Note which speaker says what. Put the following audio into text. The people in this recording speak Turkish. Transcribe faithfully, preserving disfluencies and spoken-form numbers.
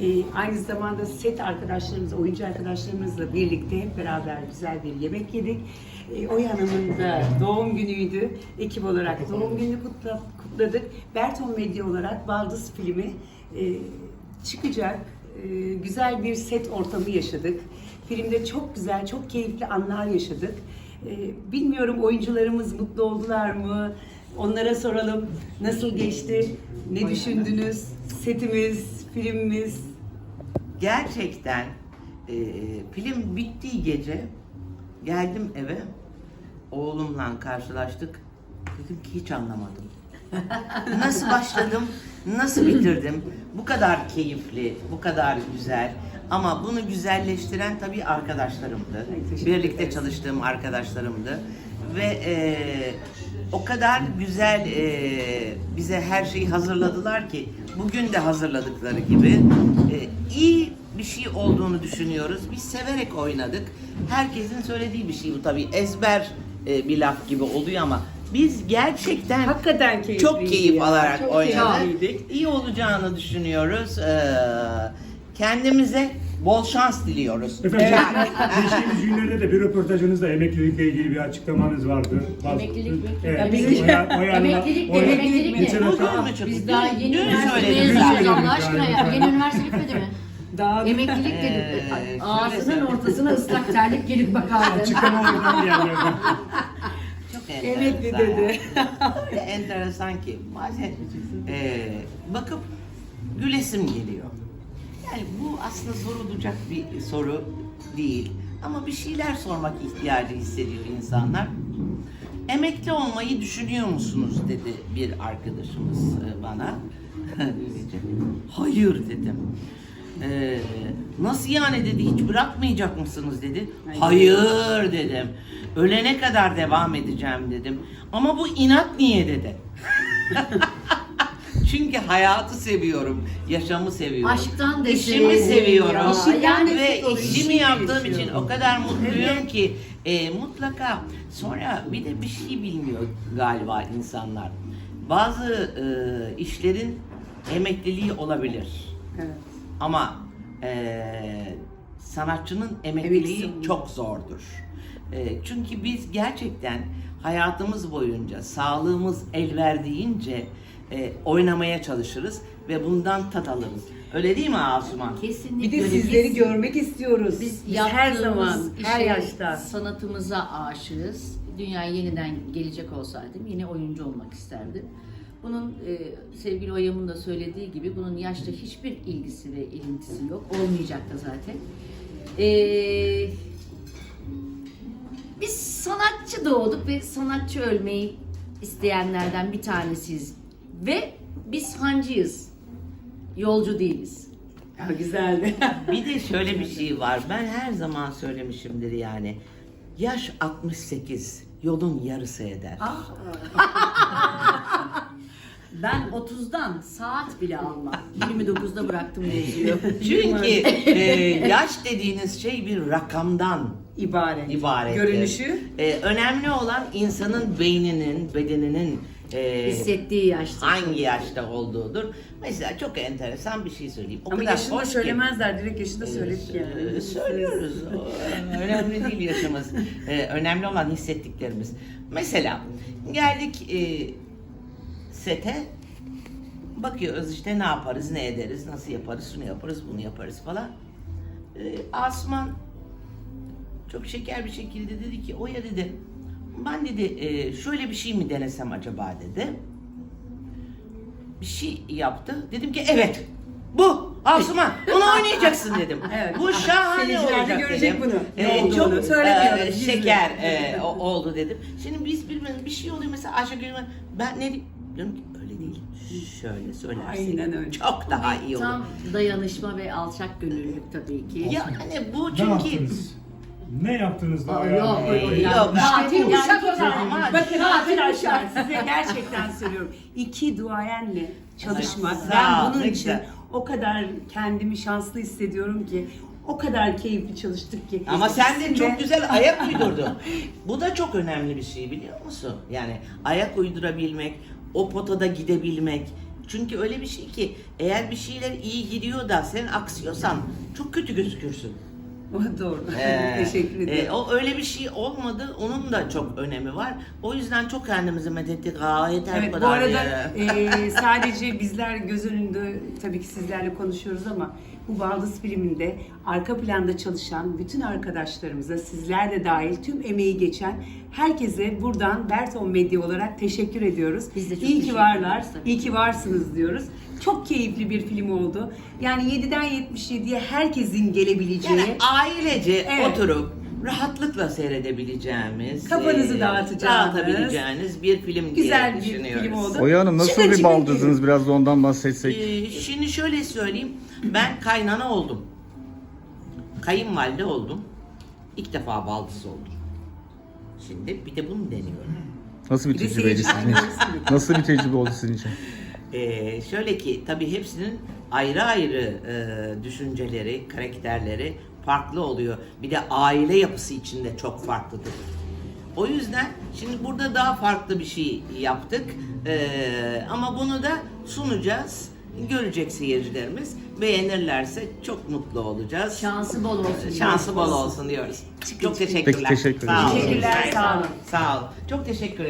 Speaker 1: Ee, aynı zamanda set arkadaşlarımız, oyuncu arkadaşlarımızla birlikte hep beraber güzel bir yemek yedik. Ee, Oya Hanım'ın da doğum günüydü. Ekip olarak doğum gününü kutla, kutladık. Berton Medya olarak Baldız filmi e, çıkacak. E, güzel bir set ortamı yaşadık. Filmde çok güzel, çok keyifli anlar yaşadık. E, bilmiyorum oyuncularımız mutlu oldular mı? Onlara soralım. Nasıl geçti? Ne düşündünüz? Setimiz, filmimiz.
Speaker 2: Gerçekten e, film bittiği gece geldim eve, oğlumla karşılaştık. Dedim ki hiç anlamadım. Nasıl başladım, nasıl bitirdim? Bu kadar keyifli, bu kadar güzel. Ama bunu güzelleştiren tabii arkadaşlarımdı. Birlikte çalıştığım arkadaşlarımdı. Ve e, o kadar güzel e, bize her şeyi hazırladılar ki bugün de hazırladıkları gibi e, iyi bir şey olduğunu düşünüyoruz. Biz severek oynadık. Herkesin söylediği bir şey bu tabii. Ezber e, bir laf gibi oluyor ama biz gerçekten
Speaker 1: Hakikaten keyifliydi
Speaker 2: çok keyif
Speaker 1: ya,
Speaker 2: alarak
Speaker 1: çok
Speaker 2: oynadık.
Speaker 1: keyifliydik.
Speaker 2: İyi olacağını düşünüyoruz. Ee, kendimize bol şans diliyoruz.
Speaker 3: Efendim, geçtiğimiz günlerde de bir röportajınızda emeklilikle ilgili bir açıklamanız vardı. Bazı-
Speaker 4: Emeklilik mi?
Speaker 3: Evet.
Speaker 1: Emeklilik.
Speaker 3: Oya- Oya Hanım'a-
Speaker 4: Emeklilik de
Speaker 3: Oya-
Speaker 4: emeklilik de.
Speaker 3: Geçen hafta-
Speaker 2: Olur mu çıktı?
Speaker 4: Biz daha yeni
Speaker 2: Dün
Speaker 4: üniversite
Speaker 2: söyledim
Speaker 4: mezunuyuz
Speaker 2: zaten.
Speaker 4: Allah aşkına ya. Yeni üniversite bitmedi mi?
Speaker 1: Daha
Speaker 4: Emeklilik dedim.
Speaker 2: Ee,
Speaker 4: Ağzının
Speaker 2: şöyle
Speaker 4: ortasına ıslak terlik gelip bakardı.
Speaker 3: Açıklama oradan bir yerlerden.
Speaker 2: Çok
Speaker 1: Emekli
Speaker 2: enteresan
Speaker 1: dedi.
Speaker 2: yani. Öyle enteresan ki bazen e, bakıp gülesim geliyor. Yani bu aslında sorulacak bir soru değil. Ama bir şeyler sormak ihtiyacı hissediyor insanlar. Emekli olmayı düşünüyor musunuz dedi bir arkadaşımız e, bana. Hayır dedim. Ee, nasıl yani dedi, hiç bırakmayacak mısınız dedi.
Speaker 1: Hayır.
Speaker 2: Hayır dedim. Ölene kadar devam edeceğim dedim. Ama bu inat niye dedi. Çünkü hayatı seviyorum, yaşamı seviyorum.
Speaker 4: Aşktan deseydin
Speaker 2: İşimi seviyorum.
Speaker 4: ya.
Speaker 1: İşinden
Speaker 2: Ve
Speaker 1: nefret oluyor,
Speaker 2: işimi
Speaker 1: işi
Speaker 2: yaptığım
Speaker 1: yaşıyorum.
Speaker 2: için o kadar mutluyum
Speaker 1: Evet.
Speaker 2: ki e, mutlaka sonra bir de bir şey bilmiyor galiba insanlar. Bazı e, işlerin emekliliği olabilir.
Speaker 1: Evet.
Speaker 2: Ama e, sanatçının emekliliği
Speaker 1: Emeksiz.
Speaker 2: çok zordur. E, çünkü biz gerçekten hayatımız boyunca sağlığımız el verdiğince e, oynamaya çalışırız ve bundan tat alırız. Öyle değil mi Asuman?
Speaker 4: Kesinlikle.
Speaker 1: Bir de
Speaker 4: öyle.
Speaker 1: sizleri
Speaker 4: Biz-
Speaker 1: görmek istiyoruz.
Speaker 4: Biz,
Speaker 1: Biz her zaman,
Speaker 4: yaptığımız
Speaker 1: her
Speaker 4: işe,
Speaker 1: yaşta.
Speaker 4: sanatımıza aşığız. Dünyaya yeniden gelecek olsaydım yine oyuncu olmak isterdim. Bunun e, sevgili Oya'mın da söylediği gibi bunun yaşla hiçbir ilgisi ve ilintisi yok. Olmayacak da zaten. E, biz sanatçı doğduk ve sanatçı ölmeyi isteyenlerden bir tanesiyiz. Ve biz hancıyız. Yolcu değiliz.
Speaker 1: Ha, güzeldi.
Speaker 2: Bir de şöyle bir şey var. Ben her zaman söylemişimdir yani. Yaş altmış sekiz, yolun yarısı eder.
Speaker 4: Ben otuzdan saat bile almam. yirmi dokuzda bıraktım yazıyor.
Speaker 2: Çünkü e, yaş dediğiniz şey bir rakamdan
Speaker 1: İbaret.
Speaker 2: ibaret.
Speaker 1: Görünüşü.
Speaker 2: E, önemli olan insanın beyninin, bedeninin e,
Speaker 4: Hissettiği yaşta.
Speaker 2: hangi yaşta olduğudur. Mesela çok enteresan bir şey söyleyeyim. O
Speaker 1: Ama
Speaker 2: kadar
Speaker 1: yaşını
Speaker 2: hoş ki-
Speaker 1: söylemezler. Direkt yaşını söyledik yani.
Speaker 2: Ee, Söylüyoruz. O, önemli değil yaşımız. Ee, önemli olan hissettiklerimiz. Mesela geldik e, sete, bakıyoruz işte ne yaparız, ne ederiz, nasıl yaparız, şunu yaparız, bunu yaparız falan. Ee, Asuman çok şeker bir şekilde dedi ki, Oya dedi, ben dedi e, şöyle bir şey mi denesem acaba dedi. Bir şey yaptı. Dedim ki evet. Bu Asuman. Bunu oynayacaksın dedim.
Speaker 1: Evet.
Speaker 2: Bu şahane
Speaker 1: Seyirciler de
Speaker 2: olacak
Speaker 1: görecek
Speaker 2: dedim.
Speaker 1: bunu. Ne
Speaker 2: Ee,
Speaker 1: olduğunu.
Speaker 2: çok
Speaker 1: Söylemiyoruz,
Speaker 2: e,
Speaker 1: gizli.
Speaker 2: şeker e, o- oldu dedim. Şimdi biz birbirimize bir şey oluyor mesela Ayşegül, ben ne diyorum ki öyle değil. Şöyle söylersin.
Speaker 1: Aynen öyle.
Speaker 2: Çok daha iyi olur.
Speaker 4: Tam dayanışma ve alçak gönüllülük tabii ki.
Speaker 2: Yani bu
Speaker 3: Ne
Speaker 2: çünkü
Speaker 3: yaptınız? Ne yaptınız da
Speaker 4: Aa,
Speaker 3: Oya
Speaker 4: yok,
Speaker 3: Hanım'a
Speaker 4: yok,
Speaker 3: böyle-
Speaker 4: yok.
Speaker 2: Yok,
Speaker 4: Tatil
Speaker 1: Yani
Speaker 4: uşak
Speaker 1: iki tane-
Speaker 4: ama
Speaker 1: Bakın arkadaşlar size gerçekten söylüyorum. İki duayenle çalışmak.
Speaker 2: Sağ
Speaker 1: Ben
Speaker 2: ol,
Speaker 1: bunun
Speaker 2: ne
Speaker 1: için
Speaker 2: güzel.
Speaker 1: o kadar kendimi şanslı hissediyorum ki. O kadar keyifli çalıştık ki.
Speaker 2: Ama sen de
Speaker 1: İkisinde-
Speaker 2: çok güzel ayak uydurdun. Bu da çok önemli bir şey biliyor musun? Yani ayak uydurabilmek, o potada gidebilmek, Çünkü öyle bir şey ki eğer bir şeyler iyi gidiyor da sen aksıyorsan çok kötü gözükürsün.
Speaker 1: O doğru.
Speaker 2: Ee,
Speaker 1: Teşekkür ederim.
Speaker 2: e, o öyle bir şey olmadı. Onun da çok önemi var. O yüzden çok kendimizi methettik. Aa yeter
Speaker 1: Evet,
Speaker 2: bu
Speaker 1: bu
Speaker 2: kadar
Speaker 1: arada
Speaker 2: ya.
Speaker 1: e, sadece bizler göz önünde tabii ki sizlerle konuşuyoruz ama bu Baldız filminde arka planda çalışan bütün arkadaşlarımıza, sizler de dahil tüm emeği geçen herkese buradan Berton Medya olarak teşekkür ediyoruz.
Speaker 4: Biz de çok
Speaker 1: iyi ki
Speaker 4: teşekkür
Speaker 1: varlar,
Speaker 4: ederiz tabii.
Speaker 1: iyi ki varsınız diyoruz. Çok keyifli bir film oldu. Yani yediden yetmiş yediye herkesin gelebileceği,
Speaker 2: Yani ailece
Speaker 1: Evet.
Speaker 2: oturup rahatlıkla seyredebileceğimiz,
Speaker 1: Kafanızı
Speaker 2: e,
Speaker 1: dağıtacağınız,
Speaker 2: dağıtabileceğiniz bir film
Speaker 1: güzel
Speaker 2: diye
Speaker 1: bir
Speaker 2: düşünüyoruz.
Speaker 1: film oldu.
Speaker 5: Oya Hanım nasıl
Speaker 1: Çıkın,
Speaker 5: bir
Speaker 1: çıkın,
Speaker 5: baldızınız? Biraz da ondan bahsetsek.
Speaker 2: Ee, şimdi şöyle söyleyeyim, ben kaynana oldum. Kayınvalide oldum. İlk defa baldız oldum. Şimdi bir de bunu deniyorum.
Speaker 5: Nasıl bir
Speaker 1: Bir de
Speaker 5: tecrübeydi
Speaker 1: seyirciler
Speaker 5: sizin için?
Speaker 1: görsün.
Speaker 5: Nasıl bir tecrübe oldu sizin için?
Speaker 2: Ee, şöyle ki tabii hepsinin ayrı ayrı e, düşünceleri, karakterleri farklı oluyor. Bir de aile yapısı içinde çok farklıdır. O yüzden şimdi burada daha farklı bir şey yaptık. Ee, ama bunu da sunacağız. Görecek seyircilerimiz. Beğenirlerse çok mutlu olacağız.
Speaker 4: Şansı bol olsun.
Speaker 2: Şansı bol olsun diyoruz. Çok teşekkürler.
Speaker 5: Peki, teşekkür
Speaker 2: Sağ olun.
Speaker 1: Teşekkürler, sağ olun.
Speaker 2: Sağ olun. Çok teşekkür ederim.